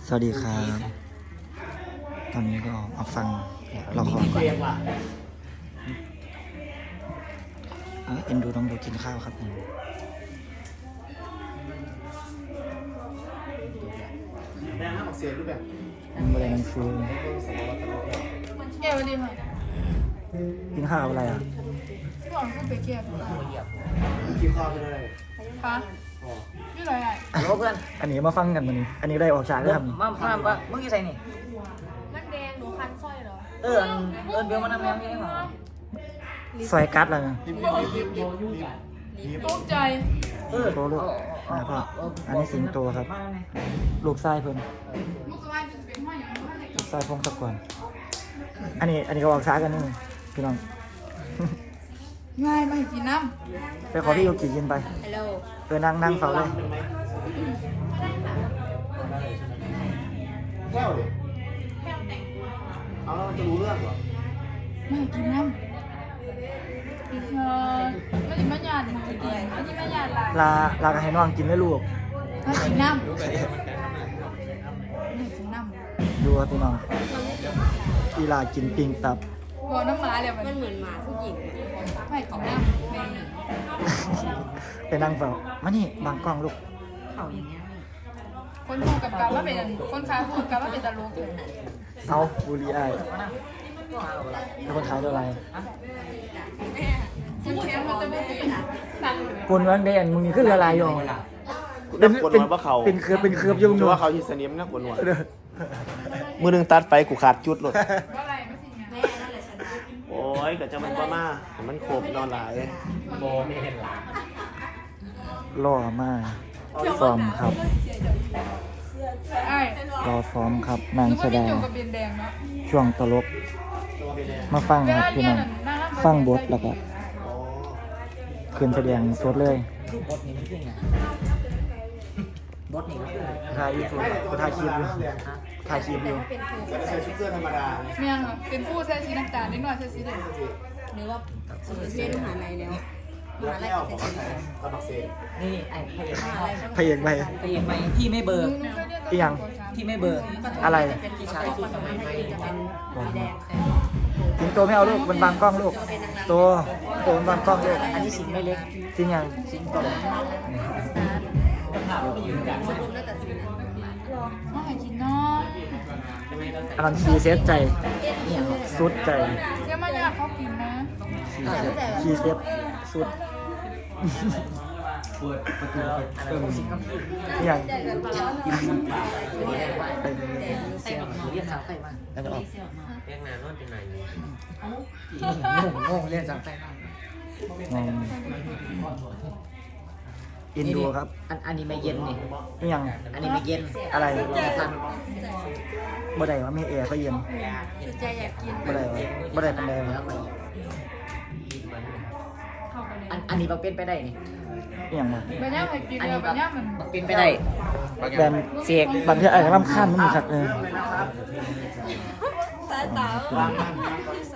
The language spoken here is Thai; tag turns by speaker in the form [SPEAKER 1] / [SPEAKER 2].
[SPEAKER 1] สวัสดีครับ ตอนนี้ก็มาฟังละครก่อนเอ็นดูน้องดูกินข้าวครับผม
[SPEAKER 2] แม่ห้ามออกเสียงรูปแบบ
[SPEAKER 1] ไม่ได้มันฟู
[SPEAKER 3] แก้วดีไหม
[SPEAKER 1] กินข้าวกับอะไรอ่ะ
[SPEAKER 3] พี่หวังขึ้นไปแก้ว
[SPEAKER 2] คิดข้อไปเลย
[SPEAKER 3] คะนี่อะไรอ่ะ
[SPEAKER 4] ฮัลโหลเพื่อน
[SPEAKER 1] อันนี้มาฟังกันมันนี้อันนี้ได้ออกฉากแล้วครับ
[SPEAKER 4] มามึงอยู่ใส่นี่
[SPEAKER 3] มันแดงหนูคันสร้อยเหรอ
[SPEAKER 4] เบลมานำแมวนี่หรอ
[SPEAKER 1] ซอยกัดแล้วนะ
[SPEAKER 3] ตกใจ
[SPEAKER 1] โตลูกพ่ออันนี้สิงโตครับ ลูกไส้เพิ่น
[SPEAKER 3] ลูกสบายจะเป็นว่าอย่างไร
[SPEAKER 1] ลูกไส้พงศกรอันนี้ก็ออกฉากกันนี่พี่น้อง
[SPEAKER 3] ง่ายไม่กินน้
[SPEAKER 1] ไปขอพี่โยกิกินไป
[SPEAKER 3] ำฮัลโหล
[SPEAKER 1] นั่งเฝ้าเลย
[SPEAKER 2] แก้วดิเอาแล้วมันจะรู้เรื่องเหรอ
[SPEAKER 3] ไม่กินน้ำไม่กินมะยานไม่กินมะยานลาย
[SPEAKER 1] ลากันให้น้องกินได้ลูก
[SPEAKER 3] ไม่กินน้ำไม่กินน้ำ
[SPEAKER 1] ดูครับพี่น้องอีลากินปิงตับ
[SPEAKER 3] บอกน้ำหมาเลยมัน
[SPEAKER 5] เหมือนหมาผู้หญิง
[SPEAKER 3] ไม่กินน้ำไม่
[SPEAKER 1] ไปนั่งเฝ้ามานี่บางกล้องลูก
[SPEAKER 4] เขาอย่างเงี้ย
[SPEAKER 3] คนพูดกับการว่าเป็นคนขายพูดกับว่าเป็นตลกเลย
[SPEAKER 1] เอาบุรีไอ้แล้วคนขายอะไร
[SPEAKER 3] คุณเทียนมันจะไม่เป็นสั่ง
[SPEAKER 1] คนวันเดนมึงขึ้นละลายอยู่
[SPEAKER 2] เป็นกวนหัวว่าเขา
[SPEAKER 1] เป็นเครือบยุ่ง
[SPEAKER 2] จะว่าเขาที่สนิมนะกวนหัวมือหนึ่งตัดไปกูขาดจุดหลด
[SPEAKER 3] ว่าอะไรไม่สิไง
[SPEAKER 5] แม่นั่นแหละชนะ
[SPEAKER 2] โอ้ยก็จะมันบ้ามามันโคบนอนหลาย
[SPEAKER 4] โบไม่เห็นหลัง
[SPEAKER 1] ล่อมากซ้อมครับ
[SPEAKER 3] ไอ้
[SPEAKER 1] รอซ้อมครับนาง
[SPEAKER 3] นึก
[SPEAKER 1] แส
[SPEAKER 3] ว่า
[SPEAKER 1] ด
[SPEAKER 3] พี่
[SPEAKER 1] ง
[SPEAKER 3] จุกกับเบียนแดงเนาะ
[SPEAKER 1] ช่วงตลก มาฟัง
[SPEAKER 3] เว
[SPEAKER 1] ครับ
[SPEAKER 3] ลา
[SPEAKER 1] พี่
[SPEAKER 3] เรีย
[SPEAKER 1] น้
[SPEAKER 3] น
[SPEAKER 1] อง
[SPEAKER 3] น่ะน่ารัก
[SPEAKER 1] ฟังบทแล้วก็ขึ้นแสดงสดเลย
[SPEAKER 4] คือบทนี้มันคือไงบทนี้ก็คือ
[SPEAKER 1] ถ่ายยูทูบถ่ายคลิปอยู่ถ่ายคลิปอยู่
[SPEAKER 2] ก็ใส่ชุดเสื้อธรรมดา
[SPEAKER 3] เมียงเหรอเป็นผู้ใช้สีน้ำตาลนิดหน่อยใช้สีแดง
[SPEAKER 5] หรือว่าเรียนมหาลัยแล้วมหาลัย
[SPEAKER 2] แก้ว
[SPEAKER 5] ก็
[SPEAKER 2] ของ
[SPEAKER 5] จะ
[SPEAKER 2] เขา
[SPEAKER 5] ใช้
[SPEAKER 2] ใส่กระบอกเศษ
[SPEAKER 4] นี่ไอ้พย
[SPEAKER 5] มหาลัยก็
[SPEAKER 1] พระเอกไป
[SPEAKER 4] พยไหมพี่ไม่เบอร์
[SPEAKER 3] หนูเคยเรียน
[SPEAKER 1] อีหยัง
[SPEAKER 4] พี่ไม่เบอร์
[SPEAKER 1] อะไร
[SPEAKER 5] เป็นที่ชายที่สมัยไทยจะเป็นสีแดง
[SPEAKER 1] สิงโตไม่เอาลูกมันบางกล้องลูกตัวมันบางกล้องลูก
[SPEAKER 4] อันนี้สิงไม่เล็ก
[SPEAKER 1] จริงยัง
[SPEAKER 4] สิงโต
[SPEAKER 5] สรุปแล้วแต่สีนั้น
[SPEAKER 3] น้องไอ้กินน้อง
[SPEAKER 1] อันนั้นคีเซตใจสุดใจ
[SPEAKER 3] เดี๋ยวมายากเขากินนะ
[SPEAKER 1] คีเซตสุด
[SPEAKER 4] อันนั้นสิงกับพี่
[SPEAKER 1] นี่ยัง
[SPEAKER 4] ใส่แบบเรียนสาวไฟมา
[SPEAKER 1] แล้วจะออก
[SPEAKER 4] เรียกนานนอนเป็นไหนงงเรียนสาวไฟมาง
[SPEAKER 1] งอินดูครับ
[SPEAKER 4] อันนี้ไม่เย็นนี่
[SPEAKER 1] นี่ยัง
[SPEAKER 4] อันนี้ไม่เย็น
[SPEAKER 1] อะไร
[SPEAKER 4] ทัน
[SPEAKER 1] บ่ได้ว่าไม่แอร์ก็เย็น
[SPEAKER 5] คือใจอยากกิน
[SPEAKER 1] บ่ได้ว่าบ่ได้ปันใดวะ
[SPEAKER 4] อันนี้บักเป็นไปได้นี่
[SPEAKER 1] นี่ยังวะ
[SPEAKER 3] ใบย่าไอ้กิน
[SPEAKER 4] อัน
[SPEAKER 3] เลย
[SPEAKER 4] นี้
[SPEAKER 3] ใบย่ามัน
[SPEAKER 4] บักเป็นไปได้
[SPEAKER 1] แบน
[SPEAKER 4] เสียก
[SPEAKER 1] บางทีอาจจะรำคาญมันมีสักเลย
[SPEAKER 5] สายตา